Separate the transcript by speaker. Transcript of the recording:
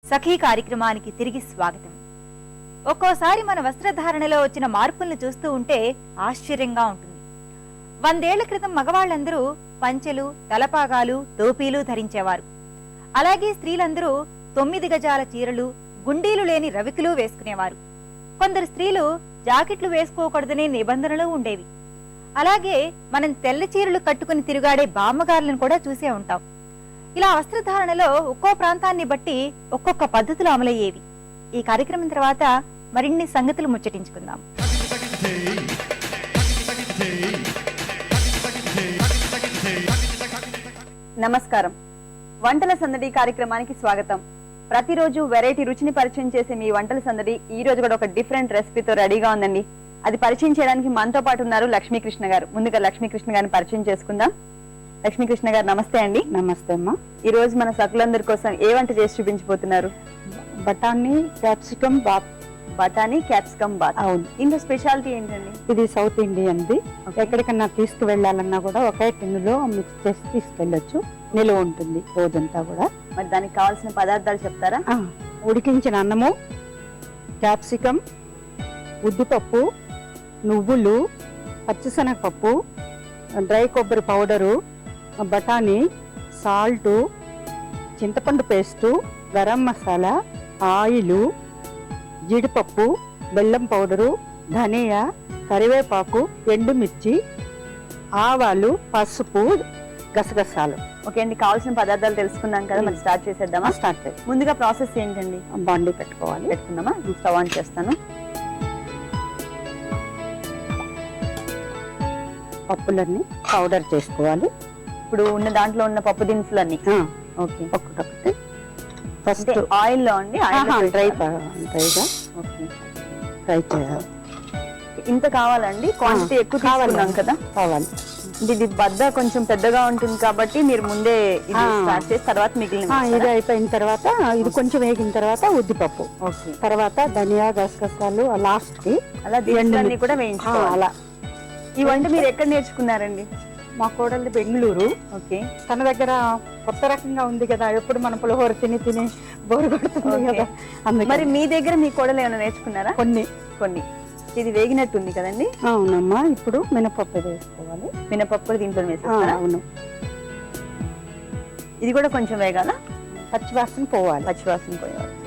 Speaker 1: సఖీ కార్యక్రమానికి తిరిగి స్వాగతం. ఒక్కోసారి మన వస్త్రధారణలో వచ్చిన మార్పులను చూస్తూ ఉంటే ఆశ్చర్యంగా ఉంటుంది. 100 ఏళ్ల క్రితం మగవాళ్ళందరూ పంచెలు, తలపాగాలు, టోపీలు ధరించేవారు. అలాగే స్త్రీలందరూ 9 గజాల చీరలు, గుండీలు లేని రవికులు వేసుకునేవారు. కొందరు స్త్రీలు జాకెట్లు వేసుకోకూడదనే నిబంధనలు ఉండేవి. అలాగే మనం తెల్ల చీరలు కట్టుకుని తిరుగాడే బామ్మగారులను కూడా చూసే ఉంటాం. ఇలా వస్త్రధారణలో ఒక్కో ప్రాంతాన్ని బట్టి ఒక్కొక్క పద్ధతులు అమలయ్యేవి. ఈ కార్యక్రమం తర్వాత మరిన్ని సంగతులు ముచ్చటించుకుందాం.
Speaker 2: నమస్కారం. వంటల సందడి కార్యక్రమానికి స్వాగతం. ప్రతిరోజు వెరైటీ రుచిని పరిచయం చేసే మీ వంటల సందడి ఈ రోజు కూడా ఒక డిఫరెంట్ రెసిపీతో రెడీగా ఉందండి. అది పరిచయం చేయడానికి మనతో పాటు ఉన్నారు లక్ష్మీకృష్ణ గారు. ముందుగా లక్ష్మీకృష్ణ గారిని పరిచయం చేసుకుందాం. లక్ష్మీకృష్ణ గారు నమస్తే అండి.
Speaker 3: నమస్తే అమ్మా.
Speaker 2: ఈ రోజు మన సకులందరి కోసం ఏ వంట చేసి చూపించబోతున్నారు?
Speaker 3: బఠానీ క్యాప్సికమ్ బాత్.
Speaker 2: బఠానీ క్యాప్సికమ్ బాత్.
Speaker 3: అవును.
Speaker 2: ఇందులో స్పెషాలిటీ ఏంటండి?
Speaker 3: ఇది సౌత్ ఇండియన్ది. ఎక్కడికన్నా తీసుకువెళ్ళాలన్నా కూడా ఒకే టిన్నులో మిక్స్ చేసి తీసుకెళ్ళొచ్చు. నిలువ ఉంటుంది రోజంతా కూడా.
Speaker 2: మరి దానికి కావాల్సిన పదార్థాలు చెప్తారా?
Speaker 3: ఉడికించిన అన్నము, క్యాప్సికమ్, ఉద్దిపప్పు, నువ్వులు, పచ్చిశనగపప్పు, డ్రై కొబ్బరి పౌడరు, బఠానీ, సాల్టు, చింతపండు పేస్టు, గరం మసాలా, ఆయిలు, జీడిపప్పు, బెల్లం పౌడరు, ధనియా, కరివేపాకు, ఎండుమిర్చి, ఆవాలు, పసుపు, గసగసాలు.
Speaker 2: ఓకే అండి, కావాల్సిన పదార్థాలు తెలుసుకున్నాం కదా, మరి స్టార్ట్ చేసేద్దామా?
Speaker 3: స్టార్ట్ చేద్దాం.
Speaker 2: ముందుగా ప్రాసెస్ ఏంటండి?
Speaker 3: బాండీ పెట్టుకోవాలి.
Speaker 2: పెట్టుకుందామా? స్టవ్ ఆన్ చేస్తాను.
Speaker 3: పప్పులన్నీ పౌడర్ చేసుకోవాలి.
Speaker 2: ఇప్పుడు ఉన్న దాంట్లో ఉన్న పప్పు దినుసులన్నీ
Speaker 3: ఓకే, ఒక్కొక్కటి ఫస్ట్
Speaker 2: ఆయిల్ లో అండి.
Speaker 3: డ్రైగా
Speaker 2: ఓకే,
Speaker 3: ఫ్రై చేయాలి.
Speaker 2: ఇంత కావాలండి? క్వాంటిటీ ఎక్కువ కావాలన్నాం కదా.
Speaker 3: కావాలి.
Speaker 2: ఇది బద్ద కొంచెం పెద్దగా ఉంటుంది కాబట్టి మీరు ముందే ఇది స్టార్ట్ చేసి తర్వాత మిగిలిన
Speaker 3: ఇది అయిపోయిన తర్వాత ఇది కొంచెం వేగిన తర్వాత ఉద్దిపప్పు,
Speaker 2: ఓకే,
Speaker 3: తర్వాత ధనియా, గసగసాలు లాస్ట్ కి
Speaker 2: అలా దినుసులన్నీ కూడా వేయించుకోవాలి.
Speaker 3: అలా.
Speaker 2: ఈ వంట మీరు ఎక్కడ నేర్చుకున్నారండి?
Speaker 3: మా కోడలు బెంగళూరు.
Speaker 2: ఓకే.
Speaker 3: తన దగ్గర కొత్త రకంగా ఉంది కదా, ఎప్పుడు మన పులిహోర తిని తిని బోరు కొడుతుంది కదా.
Speaker 2: మరి మీ దగ్గర మీ కోడలు ఏమైనా నేర్చుకున్నారా?
Speaker 3: కొన్ని
Speaker 2: కొన్ని. ఇది వేగినట్టుంది కదండి.
Speaker 3: అవునమ్మా. ఇప్పుడు మినపప్పు వేసుకోవాలి.
Speaker 2: మినపప్పు దీంట్లో వేసేస్తారా?
Speaker 3: అవును.
Speaker 2: ఇది కూడా కొంచెం వేగాల,
Speaker 3: పచ్చివాసన పోవాలి.
Speaker 2: పచ్చివాసన పోయాలి.